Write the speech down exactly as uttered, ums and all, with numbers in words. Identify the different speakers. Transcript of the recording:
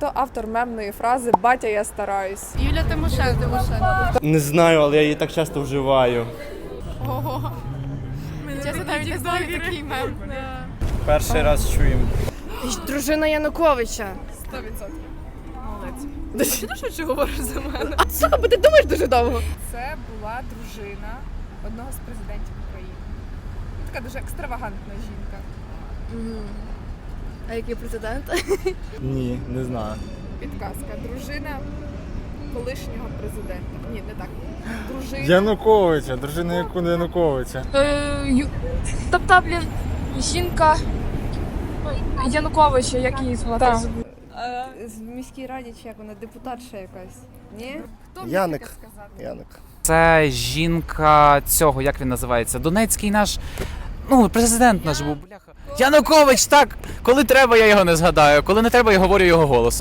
Speaker 1: Хто автор мемної фрази «Батя, я стараюсь»?
Speaker 2: Юля Тимошенко.
Speaker 3: Не знаю, але я її так часто вживаю.
Speaker 2: Ого. Чесно, навіть не знаю такий мем.
Speaker 3: Перший раз чуємо.
Speaker 4: Дружина Януковича.
Speaker 1: сто відсотків.
Speaker 4: Молодець. Ти швидше говориш за мене? А сука, бо ти думаєш дуже довго.
Speaker 1: Це була дружина одного з президентів України. Така дуже екстравагантна жінка.
Speaker 4: А який президент?
Speaker 3: Ні, не знаю.
Speaker 1: Підказка. Дружина колишнього президента. Ні, не так. Дружина.
Speaker 3: Януковича, дружина Яку- Януковича.
Speaker 5: Тобто, блін, жінка Януковича, як її звати?
Speaker 1: Так. В міській раді чи як вона, депутатша якась. Ні? Хто мені
Speaker 3: Яник.
Speaker 1: таке сказати?
Speaker 3: Яник.
Speaker 6: Це жінка цього, як він називається? Донецький наш, ну, президент наш був, бляха. Янукович, так! Коли треба, я його не згадаю, коли не треба, я говорю його голосом.